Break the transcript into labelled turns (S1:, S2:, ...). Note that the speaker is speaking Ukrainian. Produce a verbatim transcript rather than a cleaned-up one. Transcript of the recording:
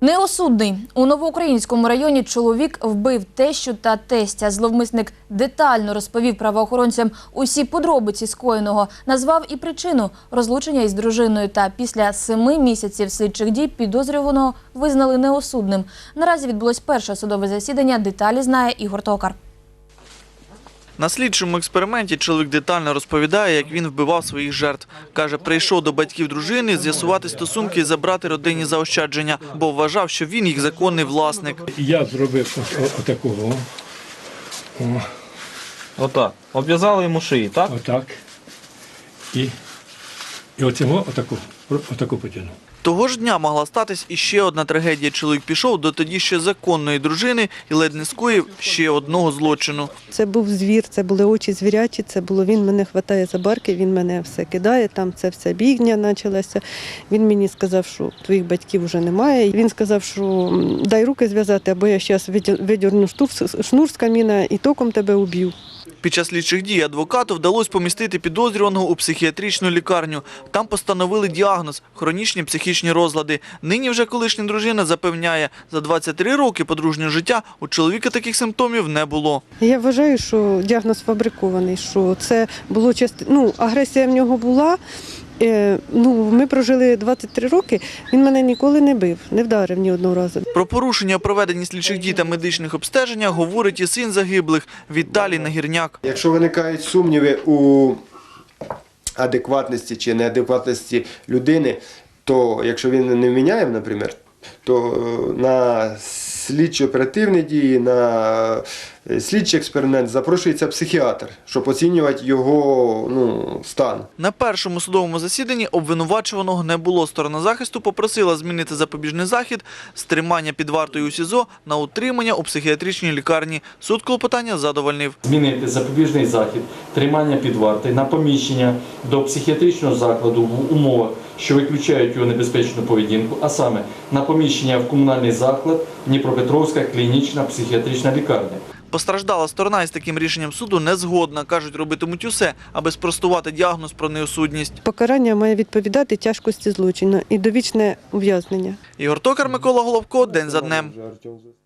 S1: Неосудний. У Новоукраїнському районі чоловік вбив тещу та тестя. Зловмисник детально розповів правоохоронцям усі подробиці скоєного, назвав і причину розлучення із дружиною. Та після семи місяців слідчих дій підозрюваного визнали неосудним. Наразі відбулось перше судове засідання. Деталі знає Ігор Токар.
S2: На слідчому експерименті чоловік детально розповідає, як він вбивав своїх жертв. Каже, прийшов до батьків дружини з'ясувати стосунки і забрати родинні заощадження, бо вважав, що він їх законний власник.
S3: Я зробив отакого. О,
S4: Отак. Обв'язали йому шиї, так?
S3: отак. І, і оцього отаку, отаку потягнув.
S2: Того ж дня могла статись іще одна трагедія. Чоловік пішов до тоді ще законної дружини і ледь не скоїв ще одного злочину.
S5: Це був звір, це були очі звірячі, це було він мене хватає за барки, він мене все кидає, там це вся бігня почалася. Він мені сказав, що твоїх батьків вже немає. Він сказав, що дай руки зв'язати, або я зараз видірну шнур з каміна і током тебе уб'ю.
S2: Під час слідчих дій адвокату вдалося помістити підозрюваного у психіатричну лікарню. Там постановили діагноз – хронічні психічні розлади. Нині вже колишня дружина запевняє, за двадцять три роки подружнього життя у чоловіка таких симптомів не було.
S5: Я вважаю, що діагноз фабрикований, що це було часто, ну, агресія в нього була. Ну, ми прожили двадцять три роки, він мене ніколи не бив, не вдарив ні одного разу.
S2: Про порушення у проведенні слідчих дій та медичних обстеженнях говорить і син загиблих Віталій Нагірняк.
S6: Якщо виникають сумніви у адекватності чи неадекватності людини, то якщо він не вміняє, наприклад, то на слідчо-оперативні дії, на слідчий експеримент запрошується психіатр, щоб оцінювати його ну, стан.
S2: На першому судовому засіданні обвинувачуваного не було. Сторона захисту попросила змінити запобіжний захід з тримання під вартою у СІЗО на утримання у психіатричній лікарні. Суд клопотання задовольнив.
S4: Змінити запобіжний захід, тримання під вартою на поміщення до психіатричного закладу в умовах, що виключають його небезпечну поведінку, а саме на поміщення в комунальний заклад Дніпропетровська клінічна психіатрична лікарня.
S2: Постраждала сторона із таким рішенням суду не згодна. Кажуть, робитимуть усе, аби спростувати діагноз про неосудність.
S5: Покарання має відповідати тяжкості злочину і довічне ув'язнення.
S2: Ігор Токар, Микола Головко. День за днем.